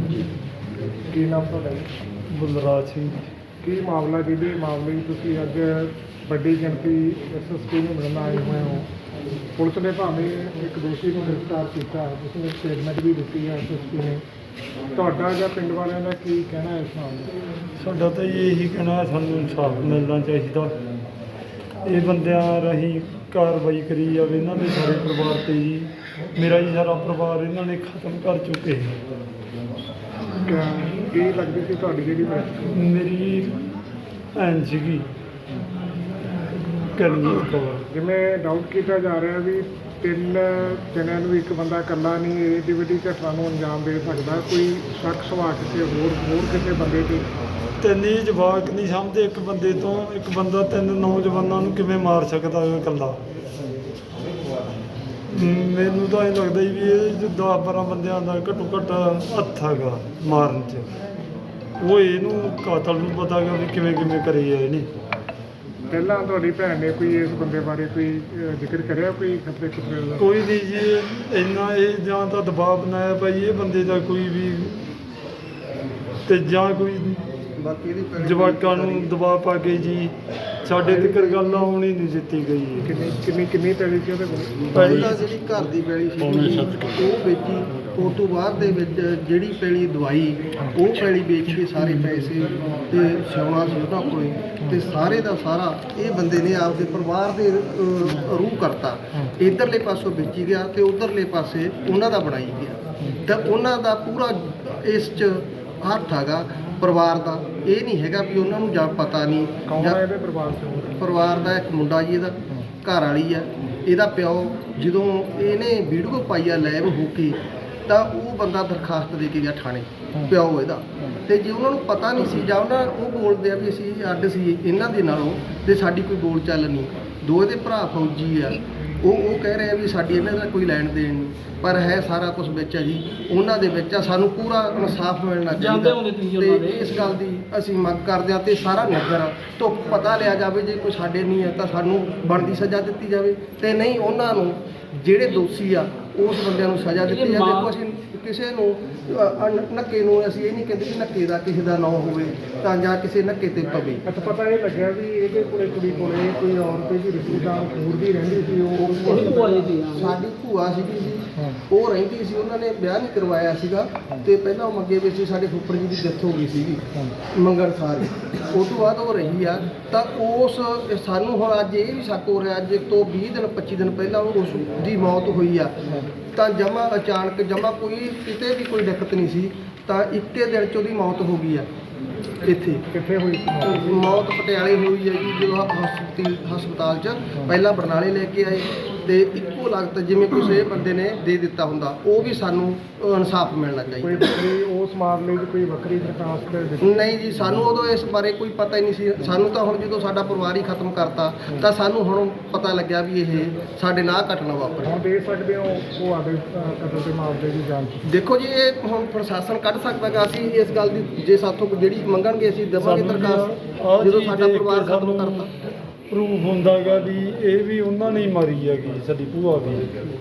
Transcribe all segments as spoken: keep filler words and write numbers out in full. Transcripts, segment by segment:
ਕੀ ਨਾਮ ਤੁਹਾਡਾ ਜੀ? ਬਲਰਾਜ ਸਿੰਘ। ਕੀ ਮਾਮਲਾ ਜਿਹਦੇ ਮਾਮਲੇ ਵਿੱਚ ਤੁਸੀਂ ਅੱਜ ਵੱਡੀ ਗਿਣਤੀ ਐਸ ਐਸ ਪੀ ਨੂੰ ਮਿਲਣ ਆਏ ਹੋਏ ਹੋ? ਪੁਲਿਸ ਨੇ ਭਾਵੇਂ ਇੱਕ ਦੋਸ਼ੀ ਨੂੰ ਗ੍ਰਿਫਤਾਰ ਕੀਤਾ, ਉਸਨੇ ਸਟੇਟਮੈਂਟ ਵੀ ਦਿੱਤੀ ਹੈ ਐਸ ਐਸ ਪੀ ਨੇ, ਤੁਹਾਡਾ ਜਾਂ ਪਿੰਡ ਵਾਲਿਆਂ ਦਾ ਕੀ ਕਹਿਣਾ ਹੈ ਇਸ ਮਾਮਲੇ? ਸਾਡਾ ਤਾਂ ਜੀ ਇਹੀ ਕਹਿਣਾ ਹੈ, ਸਾਨੂੰ ਇਨਸਾਫ ਮਿਲਣਾ ਚਾਹੀਦਾ। ਇਹ ਬੰਦਿਆਂ ਰਾਹੀਂ ਕਾਰਵਾਈ ਕਰੀ ਜਾਵੇ ਇਹਨਾਂ ਦੇ ਸਾਰੇ ਪਰਿਵਾਰ 'ਤੇ ਜੀ। ਮੇਰਾ ਜੀ ਸਾਰਾ ਪਰਿਵਾਰ ਇਹਨਾਂ ਨੇ ਖਤਮ ਕਰ ਚੁੱਕੇ। ਕੀ ਲੱਗਦੀ ਸੀ ਤੁਹਾਡੀ ਜਿਹੜੀ ਮ੍ਰਿਤਕ? ਮੇਰੀ ਭੈਣ ਸੀਗੀ ਕਰਨਜੀਤ ਕੌਰ। ਜਿਵੇਂ ਡਾਊਟ ਕੀਤਾ ਜਾ ਰਿਹਾ ਵੀ ਤਿੰਨ ਜਣਿਆਂ ਨੂੰ ਇੱਕ ਬੰਦਾ ਇਕੱਲਾ ਨਹੀਂ ਏਡੀ ਵੱਡੀ ਘਟਨਾ ਨੂੰ ਅੰਜਾਮ ਦੇ ਸਕਦਾ, ਕੋਈ ਸ਼ੱਕ ਸੁਭਾਅ ਕਿਸੇ ਹੋਰ ਹੋਰ ਕਿਸੇ ਬੰਦੇ 'ਤੇ? ਤਿੰਨ ਹੀ ਜਵਾਕ ਨਹੀਂ ਸਮਝਦੇ ਇੱਕ ਬੰਦੇ ਤੋਂ। ਇੱਕ ਬੰਦਾ ਤਿੰਨ ਨੌਜਵਾਨਾਂ ਨੂੰ ਕਿਵੇਂ ਮਾਰ ਸਕਦਾ ਹੈ ਇਕੱਲਾ? ਮੈਨੂੰ ਤਾਂ ਇਹ ਲੱਗਦਾ ਜੀ ਵੀ ਇਹ ਦਸ ਬਾਰਾਂ ਬੰਦਿਆਂ ਦਾ ਘੱਟੋ ਘੱਟ ਹੱਥ ਹੈਗਾ ਮਾਰਨ 'ਚ। ਉਹ ਇਹਨੂੰ ਕਾਤਲ ਨੂੰ ਪਤਾ ਗਾ ਵੀ ਕਿਵੇਂ ਕਿਵੇਂ ਕਰੀ ਹੈ ਇਹਨੇ। ਪਹਿਲਾਂ ਤੁਹਾਡੀ ਭੈਣ ਨੇ ਕੋਈ ਇਸ ਬੰਦੇ ਬਾਰੇ ਕੋਈ ਅਹ, ਜ਼ਿਕਰ ਕਰਿਆ ਕੋਈ ਖਤਰੇ ਖਤਰੇ ਦਾ? ਕੋਈ ਨਹੀਂ ਜੀ, ਇੰਨਾ ਇਹ ਜਾਂ ਤਾਂ ਦਬਾਅ ਬਣਾਇਆ ਭਾਈ ਇਹ ਬੰਦੇ ਦਾ ਕੋਈ ਵੀ, ਤੇ ਜਾਂ ਕੋਈ ਜਵਾਕਾਂ ਨੂੰ ਦਬਾਅ ਪਾ ਕੇ ਜੀ ਸਾਡੇ ਤੱਕ ਗੱਲ ਆਉਣੀ ਨਹੀਂ ਦਿੱਤੀ ਗਈ। ਕਿੰਨੀ ਕਿੰਨੀ ਕਿੰਨੀ ਪੈਲੀ ਸੀ ਉਹਦੇ ਕੋਲ? ਪਹਿਲਾਂ ਜਿਹੜੀ ਘਰ ਦੀ ਪੈਲੀ ਸੀ ਉਹ ਵੇਚੀ, ਉਸ ਤੋਂ ਬਾਅਦ ਦੇ ਵਿੱਚ ਜਿਹੜੀ ਪੈਲੀ ਦਵਾਈ ਉਹ ਪੈਲੀ ਵੇਚ ਕੇ ਸਾਰੇ ਪੈਸੇ ਤੇ ਸੋਨਾ ਸੀ ਉਹਨਾਂ ਕੋਲ, ਤੇ ਸਾਰੇ ਦਾ ਸਾਰਾ ਇਹ ਬੰਦੇ ਨੇ ਆਪਦੇ ਪਰਿਵਾਰ ਦੇ ਅਹ, ਰੂਹ ਕਰਤਾ। ਇੱਧਰਲੇ ਪਾਸੋਂ ਵੇਚੀ ਗਿਆ ਤੇ ਉੱਧਰਲੇ ਪਾਸੇ ਉਹਨਾਂ ਦਾ ਬਣਾਈ ਗਿਆ, ਤਾਂ ਉਹਨਾਂ ਦਾ ਪੂਰਾ ਇਸ 'ਚ ਹੱਥ ਹੈਗਾ ਪਰਿਵਾਰ ਦਾ। ਇਹ ਨਹੀਂ ਹੈਗਾ ਵੀ ਉਹਨਾਂ ਨੂੰ ਜਾਂ ਪਤਾ ਨਹੀਂ। ਕੌਣ ਹੈ ਇਹਦੇ ਪਰਿਵਾਰ 'ਚ? ਪਰਿਵਾਰ ਦਾ ਇੱਕ ਮੁੰਡਾ ਜੀ, ਇਹਦਾ ਘਰ ਵਾਲੀ ਆ, ਇਹਦਾ ਪਿਓ। ਜਦੋਂ ਇਹਨੇ ਵੀਡੀਓ ਪਾਈ ਆ ਲਾਈਵ ਹੋ ਕੇ, ਤਾਂ ਉਹ ਬੰਦਾ ਦਰਖਾਸਤ ਦੇ ਕੇ ਗਿਆ ਥਾਣੇ, ਪਿਓ ਇਹਦਾ। ਤੇ ਜੇ ਉਹਨਾਂ ਨੂੰ ਪਤਾ ਨਹੀਂ ਸੀ ਜਾਂ ਉਹਨਾਂ ਉਹ ਬੋਲਦੇ ਆ ਵੀ ਅਸੀਂ ਅੱਡ ਸੀ ਇਹਨਾਂ ਦੇ ਨਾਲੋਂ ਤੇ ਸਾਡੀ ਕੋਈ ਬੋਲ ਚੱਲ ਨਹੀਂ। ਦੋ ਇਹਦੇ ਭਰਾ ਫੌਜੀ ਆ, ਉਹ ਉਹ ਕਹਿ ਰਹੇ ਆ ਵੀ ਸਾਡੀ ਇਹਨਾਂ ਦਾ ਕੋਈ ਲੈਣ ਦੇਣ ਨਹੀਂ, ਪਰ ਹੈ ਸਾਰਾ ਕੁਝ ਵਿੱਚ ਆ ਜੀ ਉਹਨਾਂ ਦੇ ਵਿੱਚ ਆ। ਸਾਨੂੰ ਪੂਰਾ ਇਨਸਾਫ ਮਿਲਣਾ ਚਾਹੀਦਾ ਤੇ ਇਸ ਗੱਲ ਦੀ ਅਸੀਂ ਮੰਗ ਕਰਦੇ ਹਾਂ। ਤੇ ਸਾਰਾ ਨਗਰ ਤੋਂ ਪਤਾ ਲਿਆ ਜਾਵੇ, ਜੇ ਕੋਈ ਸਾਡੇ ਨਹੀਂ ਹੈ ਤਾਂ ਸਾਨੂੰ ਬਣਦੀ ਸਜ਼ਾ ਦਿੱਤੀ ਜਾਵੇ, ਤੇ ਨਹੀਂ ਉਹਨਾਂ ਨੂੰ ਜਿਹੜੇ ਦੋਸ਼ੀ ਆ ਉਸ ਬੰਦਿਆਂ ਨੂੰ ਸਜ਼ਾ ਦਿੱਤੀ ਜਾਵੇ। ਦੇਖੋ ਅਸੀਂ ਕਿਸੇ ਨੂੰ ਨੱਕੇ ਨੂੰ ਅਸੀਂ ਇਹ ਨਹੀਂ ਕਹਿੰਦੇ ਕਿ ਨੱਕੇ ਦਾ ਕਿਸੇ ਦਾ ਨਾਂ ਹੋਵੇ ਤਾਂ ਜਾਂ ਕਿਸੇ ਨੱਕੇ ਤੇ ਪਵੇ। ਅੱਛਾ, ਪਤਾ ਇਹ ਲੱਗਿਆ ਵੀ ਇਹਦੇ ਕੋਲੇ ਕੁੜੀ ਕੋਲੇ ਕੋਈ ਔਰਤ ਦੀ ਰਿਸ਼ਤੇਦਾਰ ਹੋਰ ਵੀ ਰਹਿੰਦੀ ਸੀ? ਉਹ ਸਾਡੀ ਭੂਆ ਸੀਗੀ ਜੀ, ਉਹ ਰਹਿੰਦੀ ਸੀ, ਉਹਨਾਂ ਨੇ ਵਿਆਹ ਨਹੀਂ ਕਰਵਾਇਆ ਸੀਗਾ ਤੇ ਪਹਿਲਾਂ ਉਹ ਮੰਗੇ ਵੀ ਸੀ। ਸਾਡੇ ਫੁੱਫੜ ਜੀ ਦੀ ਡੈਥ ਹੋ ਗਈ ਸੀਗੀ ਮੰਗਣ ਸਾਰ, ਉਸ ਤੋਂ ਬਾਅਦ ਉਹ ਰਹੀ ਆ। ਤਾਂ ਉਸ ਸਾਨੂੰ ਹੁਣ ਅੱਜ ਇਹ ਵੀ ਸ਼ੱਕ ਹੋ ਰਿਹਾ, ਅੱਜ ਤੋਂ ਵੀਹ ਦਿਨ ਪੱਚੀ ਦਿਨ ਪਹਿਲਾਂ ਉਸ ਦੀ ਮੌਤ ਹੋਈ ਆ, ਤਾਂ ਜਮਾ ਅਚਾਨਕ ਜਮਾ ਕੋਈ ਕਿਤੇ ਵੀ ਕੋਈ ਦਿੱਕਤ ਨਹੀਂ ਸੀ, ਤਾਂ ਇੱਕੇ ਦਿਨ 'ਚ ਉਹਦੀ ਮੌਤ ਹੋ ਗਈ ਆ। ਇੱਥੇ ਕਿੱਥੇ ਹੋਈ ਸੀ ਮੌਤ? ਪਟਿਆਲੇ ਹੋਈ ਹੈ ਜੀ, ਜਦੋਂ ਹਸਪਤਾਲ ਹਸਪਤਾਲ 'ਚ ਪਹਿਲਾਂ ਬਰਨਾਲੇ ਲੈ ਕੇ ਆਏ, ਤੇ ਇੱਕੋ ਲਗਤ ਜਿਵੇਂ ਕਿਸੇ ਬੰਦੇ ਨੇ ਦੇ ਦਿੱਤਾ ਹੁੰਦਾ। ਉਹ ਵੀ ਸਾਨੂੰ ਇਨਸਾਫ ਮਿਲਣਾ ਕੋਈ ਚਾਹੀਦਾ। ਵੱਖਰੀ ਉਸ ਮਾਮਲੇ 'ਚ ਕੋਈ ਵੱਖਰੀ ਦਰਖਾਸਤ ਦਿੱਤੀ? ਨਹੀਂ ਜੀ, ਸਾਨੂੰ ਉਦੋਂ ਇਸ ਬਾਰੇ ਕੋਈ ਪਤਾ ਹੀ ਨਹੀਂ ਸੀ। ਸਾਨੂੰ ਤਾਂ ਹੁਣ ਜਦੋਂ ਸਾਡਾ ਪਰਿਵਾਰ ਹੀ ਖਤਮ ਕਰਤਾ, ਤਾਂ ਸਾਨੂੰ ਹੁਣ ਪਤਾ ਲੱਗਿਆ ਵੀ ਇਹ ਸਾਡੇ ਨਾਲ ਘਟਨਾ ਵਾਪਰੀ। ਹੁਣ ਦੇ ਸਕਦੇ ਹੋ ਉਹ ਆਦੇ ਕਤਲ ਦੇ ਮਾਮਲੇ ਦੀ ਜਾਂਚ? ਦੇਖੋ ਜੀ, ਇਹ ਹੁਣ ਪ੍ਰਸ਼ਾਸਨ ਕੱਢ ਸਕਦਾ ਗਾ। ਅਸੀਂ ਇਸ ਗੱਲ ਦੀ ਜੇ ਸਾਥੋਂ ਜਿਹੜੀ ਮੰਗਣਗੇ ਅਸੀਂ ਦੇਵਾਂਗੇ ਦਰਖਾਸਤ, ਜਦੋਂ ਸਾਡਾ ਪਰਿਵਾਰ ਖਤਮ ਕਰਤਾ। ਪ੍ਰੂਫ ਹੁੰਦਾ ਗਾ ਵੀ ਇਹ ਵੀ ਉਹਨਾਂ ਨੇ ਹੀ ਮਾਰੀ ਹੈਗੀ ਸਾਡੀ ਭੂਆ ਵੀ।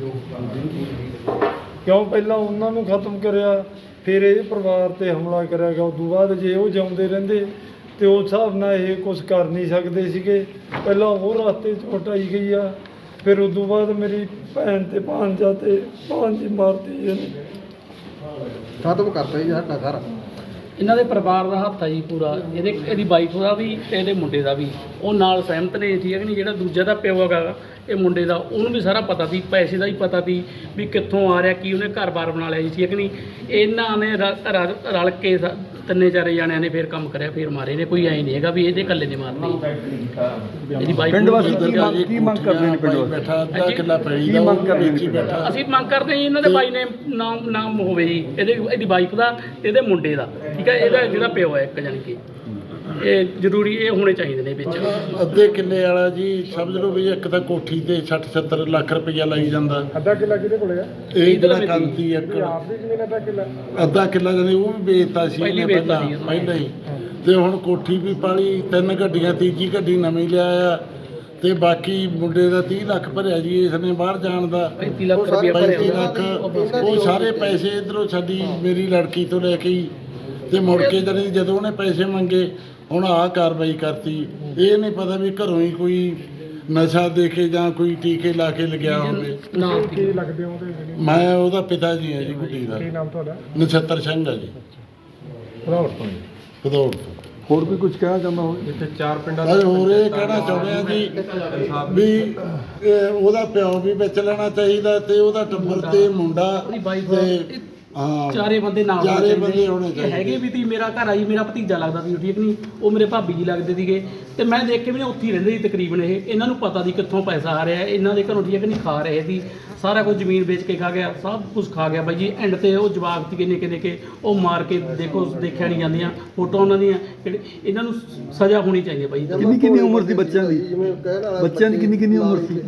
ਕਿਉਂ ਪਹਿਲਾਂ ਉਹਨਾਂ ਨੂੰ ਖਤਮ ਕਰਿਆ, ਫਿਰ ਇਹ ਪਰਿਵਾਰ 'ਤੇ ਹਮਲਾ ਕਰਿਆ ਗਿਆ। ਉਸ ਤੋਂ ਬਾਅਦ ਜੇ ਉਹ ਜਿਉਂਦੇ ਰਹਿੰਦੇ ਤੇ ਉਸ ਹਿਸਾਬ ਨਾਲ ਇਹ ਕੁਝ ਕਰ ਨਹੀਂ ਸਕਦੇ ਸੀਗੇ। ਪਹਿਲਾਂ ਉਹ ਰਸਤੇ 'ਚ ਹਟਾਈ ਗਈ ਆ, ਫਿਰ ਉਸ ਤੋਂ ਬਾਅਦ ਮੇਰੀ ਭੈਣ ਤੇ ਭਾਂਜਾ ਤੇ ਭਾਂਜੀ ਮਾਰਤੀ ਇਹਨੇ। ਖਤਮ ਕਰਤਾ ਜੀ ਸਾਡਾ ਘਰ। ਇਹਨਾਂ ਦੇ ਪਰਿਵਾਰ ਦਾ ਹੱਥ ਆ ਜੀ ਪੂਰਾ। ਇਹਦੇ ਇਹਦੀ ਵਾਈਫ ਦਾ ਵੀ ਤੇ ਇਹਦੇ ਮੁੰਡੇ ਦਾ ਵੀ, ਉਹ ਨਾਲ ਸਹਿਮਤ ਨੇ, ਠੀਕ ਹੈ ਕਿ ਨਹੀਂ। ਜਿਹੜਾ ਦੂਜਾ ਦਾ ਪਿਓ ਹੈਗਾ ਇਹ ਮੁੰਡੇ ਦਾ, ਉਹਨੂੰ ਵੀ ਸਾਰਾ ਪਤਾ ਸੀ, ਪੈਸੇ ਦਾ ਹੀ ਪਤਾ ਸੀ ਵੀ ਕਿੱਥੋਂ ਆ ਰਿਹਾ, ਕੀ ਉਹਨੇ ਘਰ-ਬਾਰ ਬਣਾ ਲਿਆ ਜੀ, ਠੀਕ ਹੈ ਕਿ ਨਹੀਂ। ਇਹਨਾਂ ਨੇ ਰ- ਰ- ਰਲ ਕੇ ਸ- ਤਿੰਨੇ ਚਾਰੇ ਜਾਣਿਆਂ ਨੇ ਫਿਰ ਕੰਮ ਕਰਿਆ, ਫਿਰ ਮਾਰੇ ਨੇ। ਕੋਈ ਐਂ ਨਹੀਂ ਹੈਗਾ ਵੀ ਇਹਦੇ ਇਕੱਲੇ ਨੇ ਮਾਰਨੀ। ਇਹਦੀ ਵਾਈਫ ਪਿੰਡ ਵਾਸੀ ਕੀ ਮੰਗ ਕਰਦੇ ਨੇ? ਪਿੰਡ ਬੈਠਾ ਅੱਧਾ ਕਿੱਲਾ ਪੈਲੀ ਦਾ ਮੰਗ ਕਰਦੇ ਬੈਠਾ। ਅਸੀਂ ਮੰਗ ਕਰਦੇ ਹਾਂ ਜੀ ਇਹਨਾਂ ਦੇ ਬਾਈ ਨੇ ਨਾਮ ਨਾਮ ਹੋਵੇ ਜੀ, ਇਹਦੇ ਇਹਦੀ ਵਾਈਫ ਦਾ ਤੇ ਇਹਦੇ ਮੁੰਡੇ ਦਾ, ਠੀਕ ਹੈ। ਇਹਦਾ ਜਿਹੜਾ ਪਿਓ ਹੈ ਇੱਕ ਜਾਣੀ ਕਿ ਇਹ ਜ਼ਰੂਰੀ ਇਹ ਹੋਣੇ ਚਾਹੀਦੇ ਨੇ ਵਿੱਚ। ਅੱਧੇ ਕਿੱਲੇ ਵਾਲਾ ਜੀ ਸਮਝ ਲਓ ਵੀ ਇੱਕ ਤਾਂ ਕੋਠੀ ਤੇ ਸੱਠ ਸੱਤਰ ਲੱਖ ਰੁਪਈਆ ਲਾਈ ਜਾਂਦਾ। ਅੱਧਾ ਕਿੱਲਾ ਕਿਹਦੇ ਕੋਲੇ ਆ? ਇਹ ਜਿਹੜਾ ਕੰਤੀ ਇੱਕ ਇਹ ਆਪ ਦੀ ਜ਼ਮੀਨ ਅੱਧਾ ਕਿੱਲਾ? ਅੱਧਾ ਕਿੱਲਾ ਜਾਂਦੇ ਉਹ ਵੀ ਵੇਚਤਾ ਸੀ ਪਹਿਲੀ ਇਹਨੇ ਵੇਚਤਾ ਪਹਿਲਾਂ ਸੀ ਪਹਿਲਾਂ ਹੀ। ਤੇ ਹੁਣ ਕੋਠੀ ਵੀ ਪਾਲੀ, ਤਿੰਨ ਗੱਡੀਆਂ, ਤੀਜੀ ਗੱਡੀ ਨਵੀਂ ਲਿਆਇਆ। ਤੇ ਬਾਕੀ ਮੁੰਡੇ ਦਾ ਤੀਹ ਲੱਖ ਭਰਿਆ ਜੀ ਇਸ ਨੇ ਬਾਹਰ ਜਾਣ ਦਾ ਪੈਂਤੀ ਲੱਖ ਰੁਪਇਆ ਭਰਿਆ ਪੈਂਤੀ ਹੋਇਆ। ਲੱਖ ਉਹ ਸਾਰੇ ਪੈਸੇ ਇਧਰੋਂ ਸਾਡੀ ਮੇਰੀ ਲੜਕੀ ਤੋਂ ਲੈ ਕੇ ਹੀ ਤੇ ਮੁੜ ਕੇ ਜਾਣੀ ਜਦੋਂ ਉਹਨੇ ਪੈਸੇ ਮੰਗੇ ਹੁਣ ਆਹ ਕਾਰਵਾਈ ਕਰਤੀ। ਇਹ ਨਹੀਂ ਪਤਾ ਵੀ ਘਰੋਂ ਹੀ ਕੋਈ ਨਸ਼ਾ ਦੇ ਕੇ ਜਾਂ ਕੋਈ ਟੀਕੇ ਲਾ ਕੇ ਲਗਿਆ ਹੋਵੇ। ਨਾ ਕੀ ਲੱਗਦੇ ਹੋ ਉਹਦੇ ਜਿਹੜੇ ਮੈਂ ਉਹਦਾ ਪਿਤਾ ਜੀ ਹਾਂ ਜੀ ਗੁੱਡੀ ਦਾ, ਕੀ ਨਾਮ ਤੁਹਾਡਾ? ਨਛੱਤਰ ਸਿੰਘ ਆ ਜੀ, ਭਰਾਵਰ ਤੋਂ ਭਦੌੜ ਤੋਂ। ਹੋਰ ਵੀ ਕੁਝ ਕਹਿਣਾ ਚਾਹੁੰਦਾ ਹੋ? ਇੱਥੇ ਚਾਰ ਪਿੰਡਾਂ ਅਸੀਂ ਹੋਰ ਇਹ ਕਹਿਣਾ ਚਾਹੁੰਦੇ ਆ ਜੀ ਵੀ ਇਹ ਉਹਦਾ ਪਿਓ ਵੀ ਵਿੱਚ ਲੈਣਾ ਚਾਹੀਦਾ ਤੇ ਉਹਦਾ ਟੱਬਰ ਤੇ ਮੁੰਡਾ ਉਹਦੀ ਵਾਈਫ ਤੇ ਹਾਂ ਚਾਰੇ ਬੰਦੇ ਨਾਲ ਹੋਣੇ ਚਾਰੇ ਚਾਹੀਦੇ। ਬੰਦੇ ਹੋਣੇ ਇਹ ਚਾਹੀਦੇ। ਹੈਗੇ ਵੀ ਤੀ ਮੇਰਾ ਘਰ ਆਈ ਮੇਰਾ ਭਤੀਜਾ ਲੱਗਦਾ ਸੀ ਠੀਕ ਨਹੀਂ, ਉਹ ਮੇਰੇ ਭਾਬੀ ਜੀ ਲੱਗਦੇ ਸੀਗੇ ਤੇ ਮੈਂ ਦੇਖ ਕੇ ਵੀ ਨਾ ਉੱਥੇ ਹੀ ਰਹਿੰਦੇ ਸੀ ਤਕਰੀਬਨ। ਇਹ ਇਹਨਾਂ ਨੂੰ ਪਤਾ ਦੀ ਕਿੱਥੋਂ ਪੈਸਾ ਆ ਰਿਹਾ, ਇਹਨਾਂ ਦੇ ਘਰੋਂ ਠੀਕ ਨਹੀਂ ਖਾ ਰਹੇ ਸੀ, ਸਾਰਾ ਕੁਝ ਜ਼ਮੀਨ ਵੇਚ ਕੇ ਖਾ ਗਿਆ, ਸਭ ਕੁਝ ਖਾ ਗਿਆ ਬਾਈ ਜੀ। ਐਂਡ ਤੇ ਉਹ ਜਵਾਕ ਸੀ ਨਿੱਕੇ ਨਿੱਕੇ ਉਹ ਮਾਰ ਕੇ ਦੇਖੋ ਦੇਖਿਆ ਨਹੀਂ ਜਾਂਦੀਆਂ ਫੋਟੋ ਉਹਨਾਂ ਦੀਆਂ, ਜਿਹੜੇ ਇਹਨਾਂ ਨੂੰ ਸਜ਼ਾ ਹੋਣੀ ਚਾਹੀਦੀ ਹੈ ਬਾਈ। ਕਿੰਨੀ ਕਿੰਨੀ ਉਮਰ ਸੀ ਬੱਚਿਆਂ ਦੀ? ਬੱਚਿਆਂ ਦੀ ਕਿੰਨੀ ਕਿੰਨੀ ਉਮਰ ਸੀ?